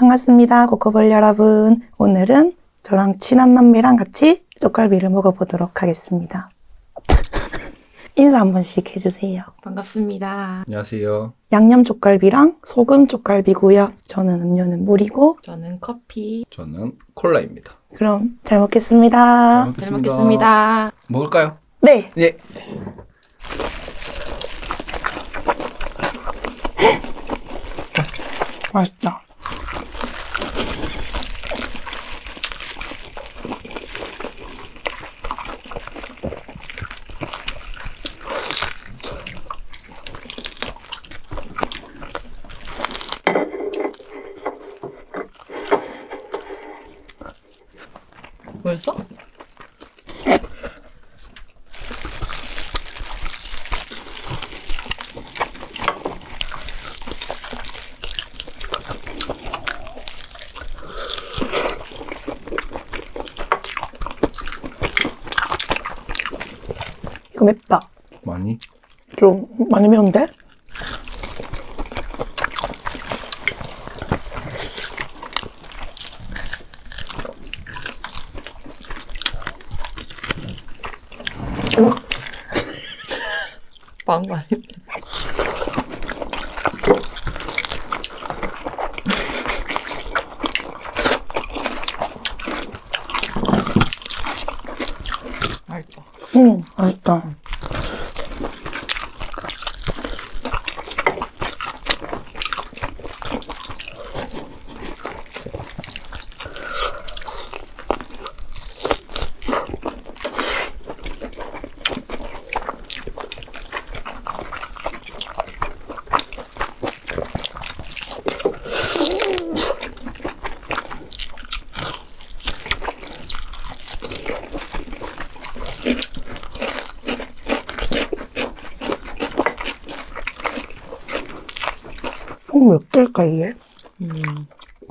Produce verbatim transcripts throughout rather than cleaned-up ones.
반갑습니다. 코코볼 여러분. 오늘은 저랑 친한 남매랑 같이 쪽갈비를 먹어보도록 하겠습니다. 인사 한 번씩 해주세요. 반갑습니다. 안녕하세요. 양념 쪽갈비랑 소금 쪽갈비고요. 저는 음료는 물이고. 저는 커피. 저는 콜라입니다. 그럼 잘 먹겠습니다. 잘 먹겠습니다. 먹을까요? 네. 예. 맛있다. 벌써? 이거 맵다. 많이? 좀 많이 매운데? 빵거 아니야? 맛있다. 응, 맛있다. 총 몇 개일까, 이게? 음.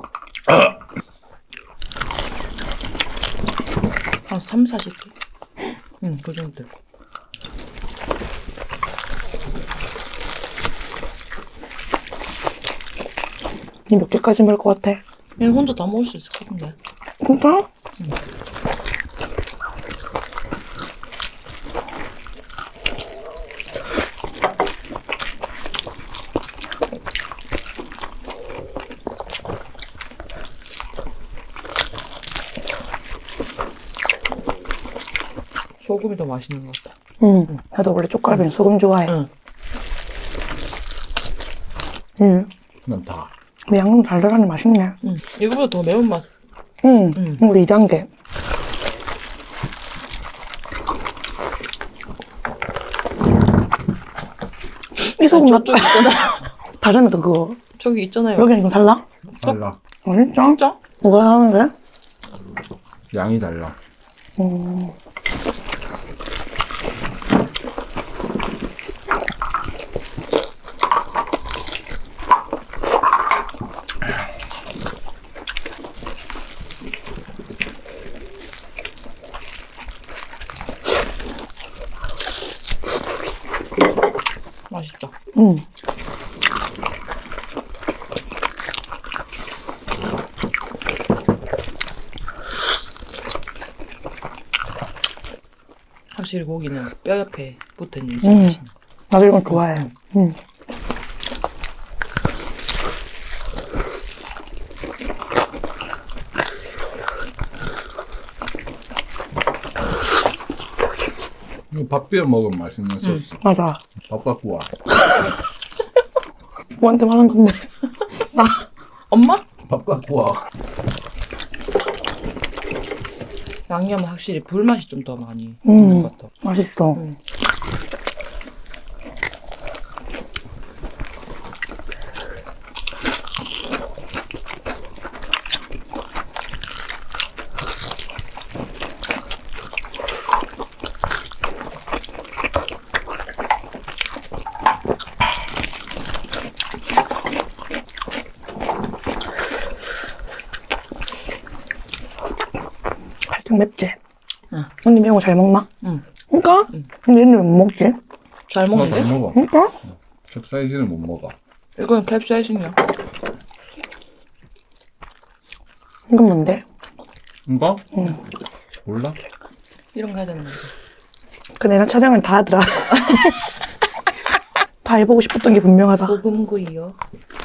한 삼, 사십 개? 응, 그 정도. 니 몇 개까지 먹을 것 같아? 얘는 혼자 다 먹을 수 있을 것 같은데. 진짜? 응. 소금이 더 맛있는 것 같다. 응. 나도 원래 쪽갈비는 소금 좋아해. 응. 응. 난 다. 근데 양념 달달하니 맛있네. 응. 이거보다 더 매운맛. 응. 응. 우리 이 단계. 이 소금 아, 맛 저쪽 있잖아. 다른 애도 그거. 저기 있잖아요. 여기는 좀 달라? 달라. 어, 진짜? 진짜? 뭐가 하는데? 양이 달라. 음. 맛있다. 응. 확실히 고기는 뼈 옆에 붙어있는 게 응. 맛있는 거. 나도 이건 좋아해. 응. 이거 밥 비벼 먹으면 맛있는 소스. 맞아. 밥 갖고 와. 누구한테 말한 건데. 나. 엄마? 밥 갖고 와. 양념은 확실히 불맛이 좀 더 많이 음. 있는 것 같아. 맛있어. 응. 살짝 맵지? 응. 언니 매운 거 잘 먹나? 응. 그니까? 응. 근데 얘는 왜 못 먹지? 잘 나도 먹는데? 못 먹어. 그니까? 캡사이신을 못 먹어. 이건 캡사이신이야. 이건 뭔데? 이거? 응. 몰라? 이런 거 해야 되는 거지. 그 내가 촬영을 다 하더라. 다 해보고 싶었던 게 분명하다. 소금구이요.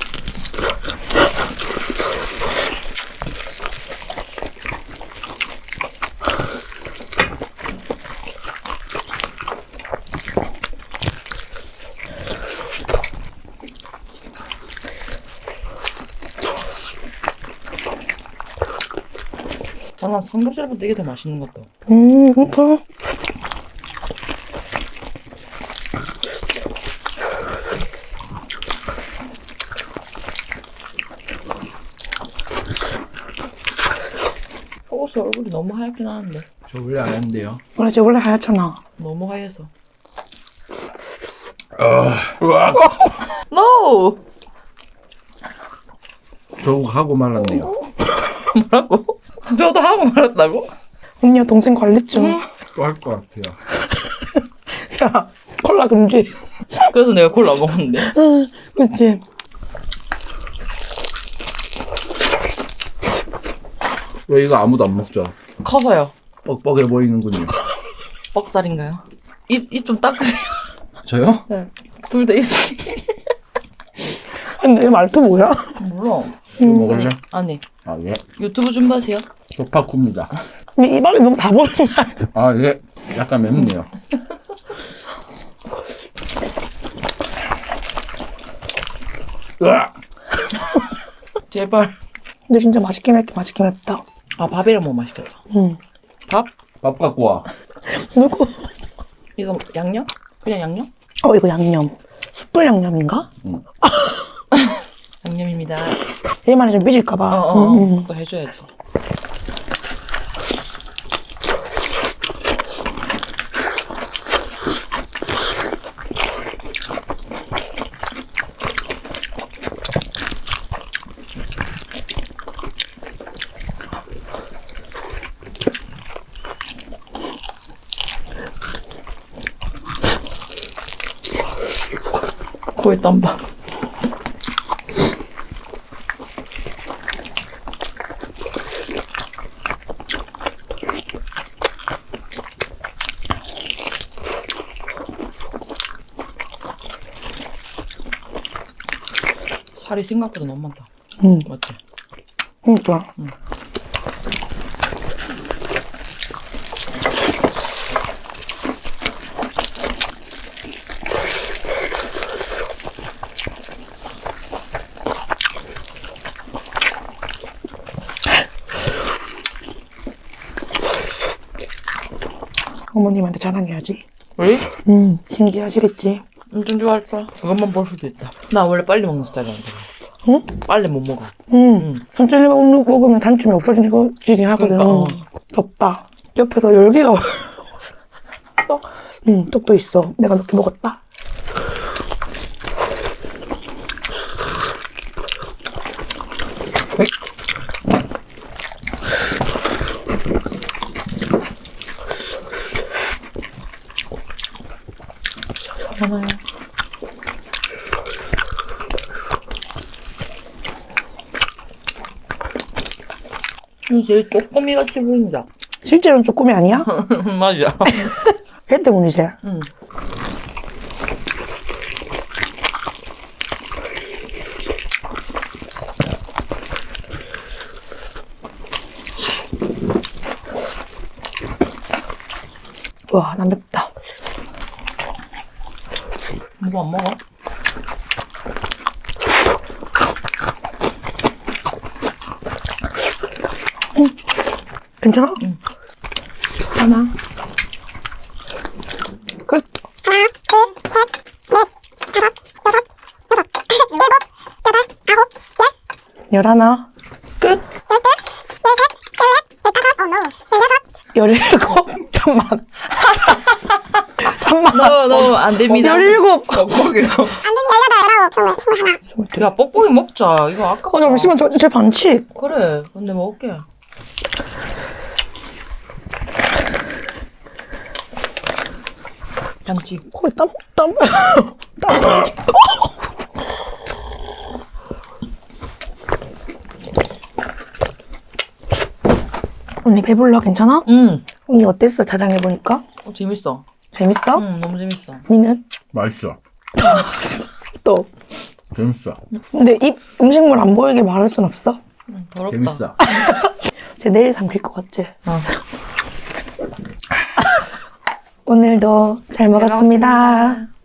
아, 난 삼겹살보다 이게 더 맛있는 것 같다. 음, 그렇구나. 속옷이 얼굴이 너무 하얗긴 하는데. 저 원래 안 했는데요. 원래 저 원래 하얗잖아. 너무 하얘서. 우와. No! 저거 하고 말았네요. 뭐라고? 저도 하고 말았다고? 언니야 동생 관리 중. 또 할 것 같아요. 야, 콜라 금지. 그래서 내가 콜라 안 먹었는데. 응, 그치. 왜 이거 아무도 안 먹죠? 커서요. 뻑뻑해 보이는군요. 뻑살인가요? 입, 입 좀 닦으세요. 저요? 네. 둘 다 입술이. 근데 이 말투 뭐야? 몰라. 이거 먹을래? 아니. 아 예. 유튜브 준비하세요. 조파쿠입니다. 근데 입안이 너무 다 보인다. 아 예. 약간 맵네요. 으악! 제발. 근데 진짜 맛있긴 맵다. 맛있긴 맵다. 아, 밥이랑 먹으면 맛있겠다. 응. 밥? 밥 갖고 와. 누구? 이거 양념? 그냥 양념? 어, 이거 양념. 숯불 양념인가? 양념입니다. 얘만이 좀 삐질까봐. 어어. 응, 응. 그거 해줘야지. 거의 땀밥. 살이 생각보다 너무 많다. 응. 맞지? 그러니까. 응. 어머님한테 자랑해야지. 왜? 응, 신기하시겠지. 엄청 좋아할 거야. 그것만 볼 수도 있다. 나 원래 빨리 먹는 스타일이란다. 응? 빨리 못 먹어. 응. 응. 천천히 먹으면 단점이 없어지긴 하거든. 그러니까, 어. 덥다. 옆에서 열기가 와. 응, 떡도 있어. 내가 몇 개 먹었다. 하나요? 음, 제일 쪼꼬미 같이 보인다. 실제로는 쪼꼬미 아니야? 맞아. 걔 때문이지. 응. 와, 난 맵다. 뭐 안 먹어? 괜찮아? 응. 하나. 끝. 열하나. 끝! 열일곱. 잠만. 잠만. 너, 너, 안 됩니다. 열일곱. 뻑뻑해요. 야, 뻑뻑이 먹자. 이거 아까. 어, 잠시만, 저, 제 반칙. 그래. 근데 먹을게. 반칙. 거의 땀, 땀, 땀. 언니 배불러? 괜찮아? 응. 언니 어땠어? 자랑해보니까? 어, 재밌어. 재밌어? 응, 너무 재밌어. 언니는? 맛있어. 또. 재밌어. 근데 입 음식물 안 보이게 말할 순 없어? 응, 더럽다. 재밌어. 쟤 내일 삼킬 것 같지? 어. 오늘도 잘 먹었습니다. 먹었습니다.